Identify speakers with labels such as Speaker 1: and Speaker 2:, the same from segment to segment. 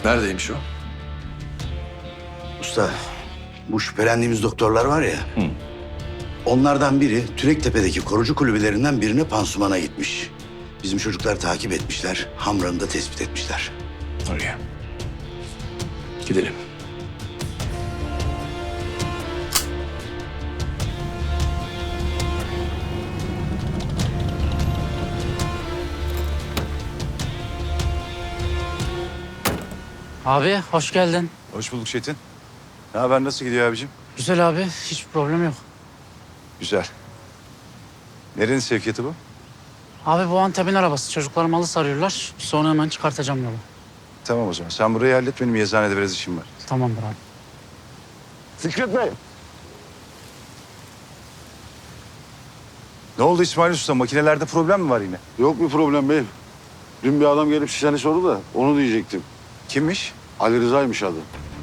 Speaker 1: Neredeymiş o?
Speaker 2: Usta, bu şüphelendiğimiz doktorlar var ya. Onlardan biri Türektepe'deki korucu kulübelerinden birine pansumana gitmiş. Bizim çocuklar takip etmişler. Hamran'ı da tespit etmişler.
Speaker 1: Oraya. Gidelim.
Speaker 3: Abi hoş geldin.
Speaker 4: Hoş bulduk Çetin. Ne haber, nasıl gidiyor abicim?
Speaker 3: Güzel abi, hiçbir problem yok.
Speaker 4: Güzel. Nerenin sevkiyatı bu?
Speaker 3: Abi bu Antep'in arabası. Çocuklar malı sarıyorlar. Sonra hemen çıkartacağım yolu.
Speaker 4: Tamam o zaman. Sen burayı hallet, benim eczanede biraz işim var.
Speaker 3: Tamamdır abi.
Speaker 4: Fikret Bey. Ne oldu İsmail Usta? Makinelerde problem mi var yine?
Speaker 5: Yok bir problem beyim. Dün bir adam gelip seni sordu da onu diyecektim.
Speaker 4: Kimmiş?
Speaker 5: Ali Rıza'ymış adı.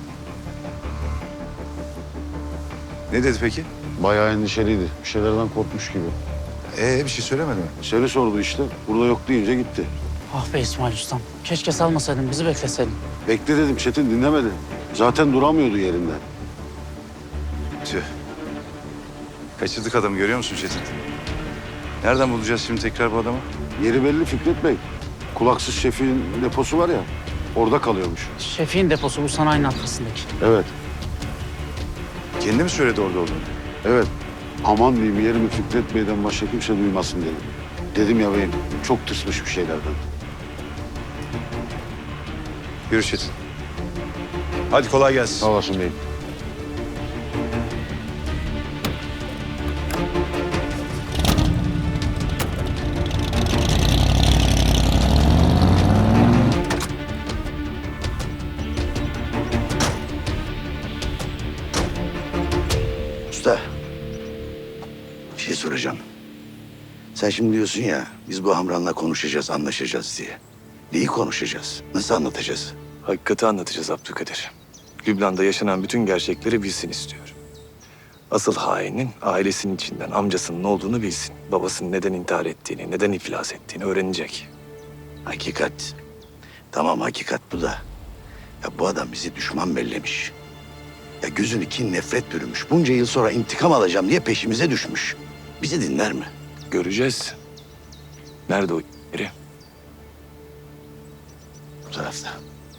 Speaker 4: Ne dedi peki?
Speaker 5: Bayağı endişeliydi. Bir şeylerden korkmuş gibi.
Speaker 4: Bir şey söylemedi mi?
Speaker 5: Seni sordu işte. Burada yok deyince gitti.
Speaker 3: Ah be İsmail Ustam. Keşke salmasaydın, bizi bekleseydin.
Speaker 5: Bekle dedim Çetin dinlemedi. Zaten duramıyordu yerinden.
Speaker 4: Tüh. Kaçırdık adamı, görüyor musun Çetin? Nereden bulacağız şimdi tekrar bu adamı?
Speaker 5: Yeri belli Fikret Bey. Kulaksız şefin deposu var ya. Orada kalıyormuş.
Speaker 3: Şefin deposu bu sanayinin arkasındaki.
Speaker 5: Evet.
Speaker 4: Kendi mi söyledi orada olduğunu?
Speaker 5: Evet. Aman diyeyim yerimi Fikret Bey'den başka kimse duymasın dedim. Dedim ya beyim çok tırsmış bir şeylerden.
Speaker 4: Yürü Çetin. Hadi kolay gelsin.
Speaker 5: Sağ olasın beyim.
Speaker 2: Usta, bir şey soracağım. Sen şimdi diyorsun ya, biz bu Hamran'la konuşacağız, anlaşacağız diye. Neyi konuşacağız? Nasıl anlatacağız?
Speaker 1: Hakikati anlatacağız Abdülkadir. Lübnan'da yaşanan bütün gerçekleri bilsin istiyorum. Asıl hainin ailesinin içinden amcasının olduğunu bilsin. Babasının neden intihar ettiğini, neden iflas ettiğini öğrenecek.
Speaker 2: Hakikat. Tamam hakikat bu da. Ya bu adam bizi düşman bellemiş. Ya gözünü kin nefret bürümüş. Bunca yıl sonra intikam alacağım diye peşimize düşmüş. Bizi dinler mi?
Speaker 1: Göreceğiz. Nerede o yeri?
Speaker 2: Bu tarafta.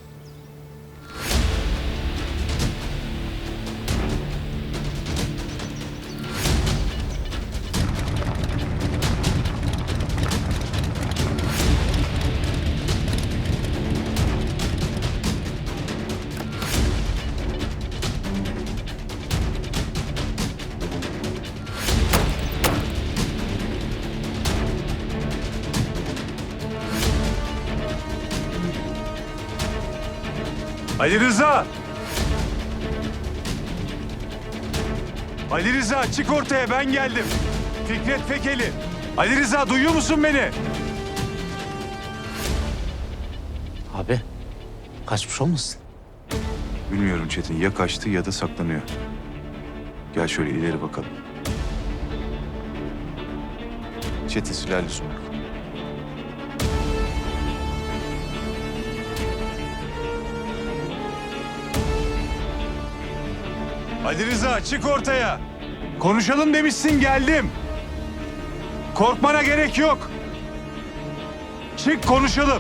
Speaker 4: Ali Rıza! Ali Rıza çık ortaya, ben geldim. Fikret Fekeli. Ali Rıza duyuyor musun beni?
Speaker 3: Abi, kaçmış olmasın?
Speaker 4: Bilmiyorum Çetin, ya kaçtı ya da saklanıyor. Gel şöyle ileri bakalım. Çetin silahlı lüzum yok. Ali Rıza çık ortaya. Konuşalım demişsin, geldim. Korkmana gerek yok. Çık konuşalım.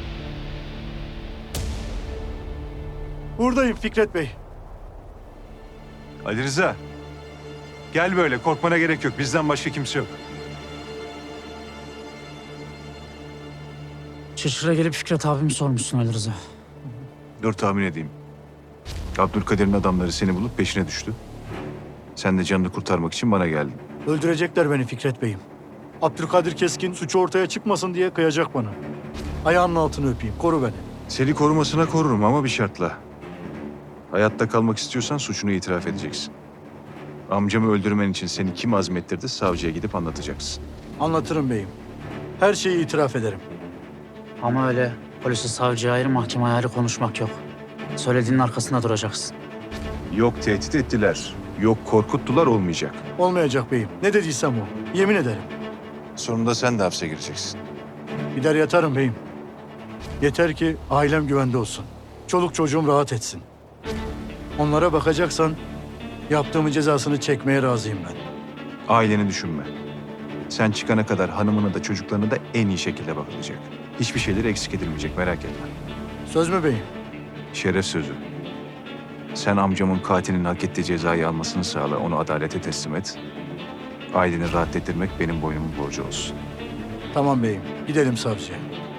Speaker 6: Buradayım Fikret Bey.
Speaker 4: Ali Rıza. Gel böyle, korkmana gerek yok. Bizden başka kimse yok.
Speaker 3: Çırçıra gelip Fikret abimi sormuşsun Ali Rıza.
Speaker 4: Dur tahmin edeyim. Abdülkadir'in adamları seni bulup peşine düştü. Sen de canını kurtarmak için bana geldin.
Speaker 6: Öldürecekler beni Fikret Bey'im. Abdülkadir Keskin suçu ortaya çıkmasın diye kıyacak bana. Ayağının altını öpeyim, koru beni.
Speaker 4: Seni korumasına korurum ama bir şartla. Hayatta kalmak istiyorsan suçunu itiraf edeceksin. Amcamı öldürmen için seni kim azmettirdi savcıya gidip anlatacaksın.
Speaker 6: Anlatırım beyim. Her şeyi itiraf ederim.
Speaker 3: Ama öyle polisi savcıya ayrı, mahkemeye ayrı konuşmak yok. Söylediğinin arkasında duracaksın.
Speaker 4: Yok tehdit ettiler, yok korkuttular, olmayacak.
Speaker 6: Olmayacak beyim. Ne dediysem o. Yemin ederim.
Speaker 4: Sonunda sen de hapse gireceksin.
Speaker 6: Gider yatarım beyim. Yeter ki ailem güvende olsun. çoluk çocuğum rahat etsin. Onlara bakacaksan yaptığımın cezasını çekmeye razıyım ben.
Speaker 4: Aileni düşünme. Sen çıkana kadar hanımına da çocuklarına da en iyi şekilde bakılacak. Hiçbir şeyleri eksik edilmeyecek, merak etme.
Speaker 6: Söz mü beyim?
Speaker 4: Şeref sözü. Sen amcamın katilinin hak ettiği cezayı almasını sağla, onu adalete teslim et. Aileni rahat ettirmek benim boynumun borcu olsun.
Speaker 6: Tamam beyim. Gidelim savcıya.